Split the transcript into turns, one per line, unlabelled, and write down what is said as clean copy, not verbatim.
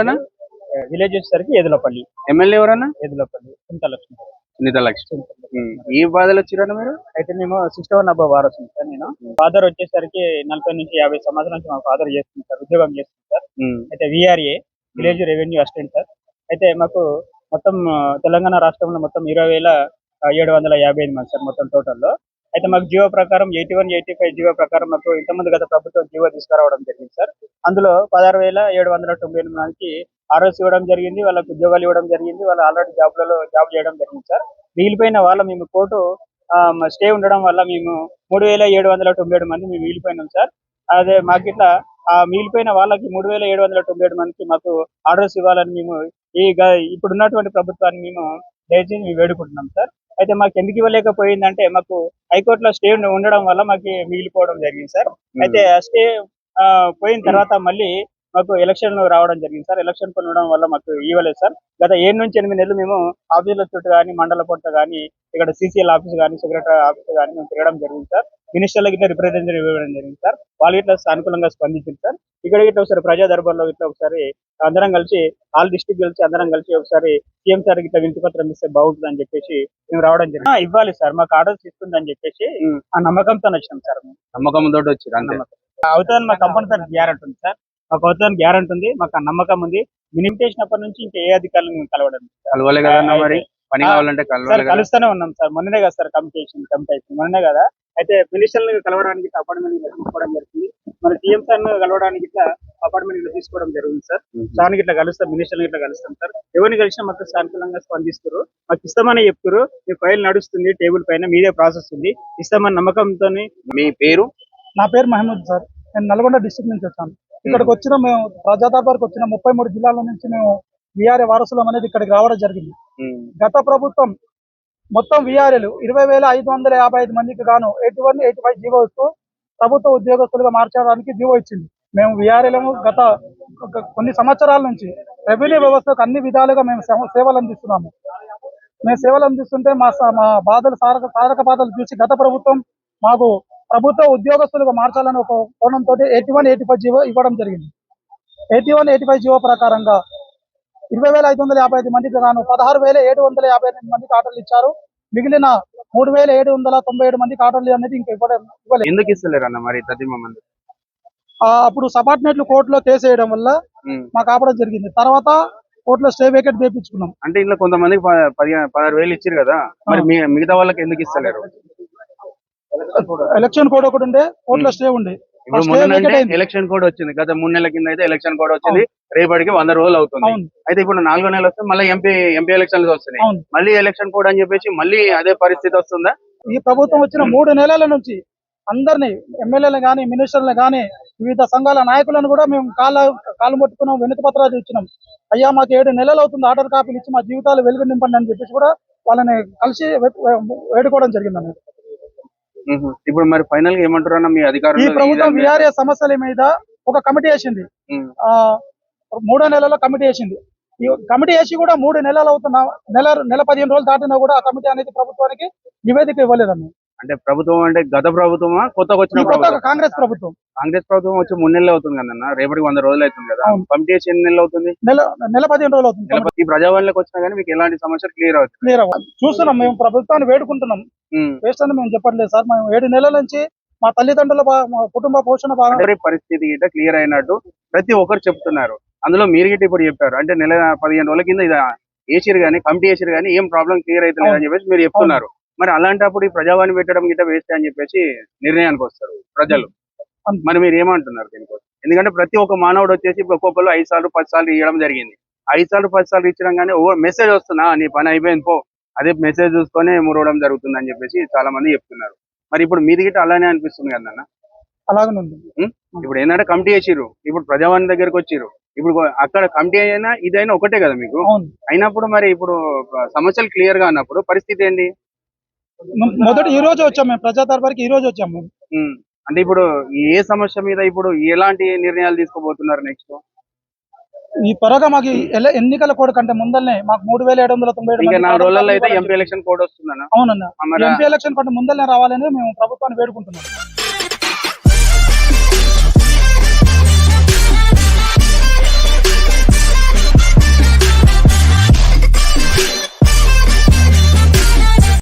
ఎవరన్నా?
విలేజ్ వచ్చేసరికి ఎదులపల్లి.
ఎమ్మెల్యే ఎవరన్నా?
ఎదులపల్లి చింతలక్ష్మి.
సునీత లక్ష్మి. ఈ బాధలు వచ్చిరన్నా మీరు?
అయితే మేము 61 అబ్బా వారసుని సార్. నేను ఫాదర్ వచ్చేసరికి 40 నుంచి 50 సంవత్సరాల నుంచి మా ఫాదర్ చేస్తుంది సార్, ఉద్యోగం చేస్తుంది సార్. అయితే VRA village revenue assistant sir. అయితే మాకు మొత్తం తెలంగాణ రాష్ట్రంలో మొత్తం 20,755 మంది సార్ మొత్తం టోటల్లో. అయితే మాకు జీవో ప్రకారం 81, 85 జీవో ప్రకారం మాకు ఇంతమంది గత ప్రభుత్వం జీవో తీసుకురావడం జరిగింది సార్. అందులో 16,798 మందికి ఆర్ఎస్ ఇవ్వడం జరిగింది, వాళ్ళకు ఉద్యోగాలు ఇవ్వడం జరిగింది, వాళ్ళు ఆల్రెడీ జాబ్ చేయడం జరిగింది సార్. మిగిలిపోయిన వాళ్ళ మేము కోర్టు స్టే ఉండడం వల్ల మేము 3,797 మంది మేము మిగిలిపోయినాం సార్. అదే మాకు ఇట్లా ఆ మిగిలిపోయిన వాళ్ళకి 3,797 మందికి మాకు ఆర్డర్స్ ఇవ్వాలని మేము ఇప్పుడున్నటువంటి ప్రభుత్వాన్ని మేము దయచేసి వేడుకుంటున్నాం సార్. అయితే మాకు ఎందుకు ఇవ్వలేకపోయిందంటే మాకు హైకోర్టులో స్టే ఉండడం వల్ల మాకు మిగిలిపోవడం జరిగింది సార్. అయితే ఆ స్టే పోయిన తర్వాత మళ్ళీ మాకు ఎలక్షన్ రావడం జరిగింది సార్. ఎలక్షన్ ఉండడం వల్ల మాకు ఇవ్వలేదు సార్. గత 7 నుంచి 8 నెలలు మేము ఆఫీసుల చుట్టూ కానీ, మండల పొట్ట కానీ, ఇక్కడ సీసీఎల్ ఆఫీస్ కానీ, సెక్రటరీ ఆఫీస్ కానీ మేము తిరగడం జరిగింది సార్. మినిస్టర్లకి ఇట్లా రిప్రజెంటేటివ్ ఇవ్వడం జరిగింది సార్. వాళ్ళు ఇట్లా సానుకూలంగా స్పందించింది సార్. ఇక్కడ ఇట్లా ఒకసారి ప్రజా దర్బార్లో ఇట్లా ఒకసారి అందరం కలిసి ఆల్ డిస్ట్రిక్ట్ కలిసి అందరం కలిసి ఒకసారి సీఎం సార్ ఇట్లా వినతి పత్రం ఇస్తే బాగుంటుంది అని చెప్పేసి మేము రావడం జరిగింది. ఇవ్వాలి సార్, మాకు ఆర్డర్స్ ఇస్తుంది అని చెప్పేసి ఆ నమ్మకంతో వచ్చినాం సార్.
నమ్మకంతో వచ్చి
అవుతుందని మాకు కంపల్సరీ గ్యారెంటీ ఉంది సార్. మాకు అవుతుందని గ్యారెంటీ ఉంది, మాకు ఆ నమ్మకం ఉంది. మినిమం చేసినప్పటి నుంచి ఇంకా ఏ అధికారులు మేము
కలవలే కదన్నా మరి పని కావాలంటే
కలుస్తూనే ఉన్నాం సార్. మొన్ననే కదా సార్ కమిటీ అయిపోయింది మొన్ననే కదా. అయితే మినిస్టర్లను కలవడానికి అపార్ట్మెంట్ తీసుకోవడం జరుగుతుంది, మన సీఎం సార్ కలవడానికి ఇట్లా అపార్ట్మెంట్ తీసుకోవడం జరుగుతుంది సార్. దానికి ఇట్లా కలుస్తాం, మినిస్టర్లు ఇట్లా కలుస్తాం సార్. ఎవరిని కలిసినా మాకు సానుకూలంగా స్పందిస్తారు, మాకు ఇస్తామని చెప్తారు. మీ ఫైల్ నడుస్తుంది టేబుల్ పైన, మీదే ప్రాసెస్ ఉంది, ఇస్తామని నమ్మకంతో.
మీ పేరు?
నా పేరు మహమూద్ సార్. నేను నల్గొండ డిస్ట్రిక్ట్ నుంచి వచ్చాను. ఇక్కడికి వచ్చిన మేము ప్రజా దర్బార్కి వచ్చిన 33 జిల్లాల నుంచి మేము విఆర్ఏ వారసులం అనేది ఇక్కడికి రావడం జరిగింది. గత ప్రభుత్వం మొత్తం విఆర్ఏలు 20,555 మందికి గాను 81, 85 జీవో ఇస్తూ ప్రభుత్వ ఉద్యోగస్తులుగా మార్చడానికి జీవో ఇచ్చింది. మేము విఆర్ఏలము గత కొన్ని సంవత్సరాల నుంచి రెవెన్యూ వ్యవస్థకు అన్ని విధాలుగా మేము సేవలు అందిస్తున్నాము. మేము సేవలు అందిస్తుంటే మా బాధలు సాధక బాధలు చూసి గత ప్రభుత్వం మాకు ప్రభుత్వ ఉద్యోగస్తులుగా మార్చాలని ఒక కోణంతో 81, 85 జీవో ఇవ్వడం జరిగింది. 81, 85 జీవో ప్రకారంగా 20,555 మందికి గాను 16,758 మందికి ఆర్డర్లు ఇచ్చారు. మిగిలిన 3,797 మందికి ఆర్డర్లు అనేది ఇంకా ఇవ్వలేదు.
ఎందుకు ఇస్తలేరు అన్న మరి?
అప్పుడు సబార్డినేట్లు కోర్టులో కేసు వేయడం వల్ల మాకు ఆపడం జరిగింది. తర్వాత కోర్టులో స్టే వేకెట్ చేయించుకున్నాం.
అంటే ఇంట్లో కొంతమందికి 16,000 ఇచ్చారు కదా, మరి మిగతా వాళ్ళకి ఎందుకు ఇస్తలేరు?
ఎలక్షన్ కోడ్ ఒకటి ఉండే, కోర్టులో స్టే ఉండే.
ఎలక్షన్ కోడ్ వచ్చింది, గత 3 నెలల కింద అయితే ఎలక్షన్ కోడ్ వచ్చింది. రేపటికి 100 రోజులు అవుతుంది. అయితే ఇప్పుడు 4వ నెల వస్తే మళ్ళీ ఎంపీ ఎలక్షన్లు వస్తున్నాయి, మళ్ళీ ఎలక్షన్ కోడ్ అని చెప్పేసి మళ్ళీ అదే పరిస్థితి వస్తుందా?
ఈ ప్రభుత్వం వచ్చిన 3 నెలల నుంచి అందరినీ ఎమ్మెల్యేలు గానీ, మినిస్టర్లు గానీ, వివిధ సంఘాల నాయకులను కూడా మేము కాలు పట్టుకున్నాం, వినతి పత్రాలు ఇచ్చినాం. అయ్యా మాకు 7 నెలలు అవుతుంది ఆర్డర్ కాపీలు ఇచ్చి మా జీవితాలు వెలుగు నింపండి అని చెప్పేసి కూడా వాళ్ళని కలిసి వేడుకోవడం జరిగింది.
ఇప్పుడు మరి ఫైనల్ గా ఏమంటారు అన్న మీ అధికారులు?
ఈ ప్రభుత్వం విఆర్ఏ సమస్యల మీద ఒక కమిటీ వేసింది. 3వ నెలలో కమిటీ వేసింది. ఈ కమిటీ వేసి కూడా 3 నెలలు అవుతున్నా, నెల 15 రోజులు దాటినా కూడా ఆ కమిటీ అనేది ప్రభుత్వానికి నివేదిక ఇవ్వలేదన్న.
అంటే ప్రభుత్వం అంటే గత ప్రభుత్వమా కొత్తగా వచ్చిన ప్రభుత్వం?
కాంగ్రెస్ ప్రభుత్వం.
కాంగ్రెస్ ప్రభుత్వం వచ్చి 3 నెలలు అవుతుంది కదన్న, రేపటికి 100 రోజులు అవుతుంది కదా. కమిటీ వేసి ఎన్ని నెలలు అవుతుంది?
నెల 15 రోజులు అవుతుంది.
ఈ ప్రజావాణిలోకి వచ్చినా కానీ మీకు ఎలాంటి సమస్యలు క్లియర్
అవుతుంది? చూస్తున్నాం, మేము ప్రభుత్వాన్ని వేడుకుంటున్నాం. వేస్ట్ అని మేము చెప్పట్లేదు సార్. మేము 7 నెలల నుంచి మా తల్లిదండ్రుల కుటుంబ పోషణ
పరిస్థితి గిట్ట క్లియర్ అయినట్టు ప్రతి ఒక్కరు చెప్తున్నారు. అందులో మీరు గిట్ట ఇప్పుడు చెప్పారు, అంటే నెల 15 రోజుల కింద ఇది వేసిరు కానీ, కమిటీ వేసిరు కానీ ఏం ప్రాబ్లం క్లియర్ అవుతుంది అని చెప్పేసి మీరు చెప్తున్నారు. మరి అలాంటప్పుడు ఈ ప్రజావాణి పెట్టడం గిట్ట వేస్ట్ అని చెప్పేసి నిర్ణయానికి వస్తారు ప్రజలు. మరి మీరు ఏమంటున్నారు దీనికోసం? ఎందుకంటే ప్రతి ఒక్క మానవుడు వచ్చేసి ఇప్పుడు ఒక్కొక్కరు 5 సార్లు 10 సార్లు ఇవ్వడం జరిగింది. 5 సార్లు 10 సార్లు ఇచ్చడం కానీ మెసేజ్ వస్తున్నా నీ పని అయిపోయింది పో, అదే మెసేజ్ చూసుకొని మురవడం జరుగుతుంది అని చెప్పేసి చాలా మంది చెప్తున్నారు. మరి ఇప్పుడు మీది గిట్ట అలానే అనిపిస్తుంది కదన్న?
అలాగనే ఉంది.
ఇప్పుడు ఏంటంటే కమిటీ వేసిర్రు, ఇప్పుడు ప్రజావాణి దగ్గరకు వచ్చిర్రు, ఇప్పుడు అక్కడ కమిటీ అయినా ఇదైనా ఒకటే కదా మీకు. అయినప్పుడు మరి ఇప్పుడు సమస్యలు క్లియర్ గా అన్నప్పుడు పరిస్థితి ఏంటి?
మొదటి ఈ రోజు వచ్చాము మేము ప్రజా దర్బార్కి, ఈ రోజు వచ్చాము.
అంటే ఇప్పుడు ఏ సమస్య మీద ఇప్పుడు ఎలాంటి నిర్ణయాలు తీసుకోబోతున్నారు నెక్స్ట్?
ఈ త్వరగా మాకు ఎన్నికల కోడ్ కంటే ముందరనే మాకు 3,797
4 రోజుల్లో అయితే ఎంపీ ఎలక్షన్ కోడ్ వస్తుందన్న.
అవునన్నా, ఎంపీ ఎలక్షన్ కంటే ముందరనే రావాలని మేము ప్రభుత్వాన్ని వేడుకుంటున్నాం.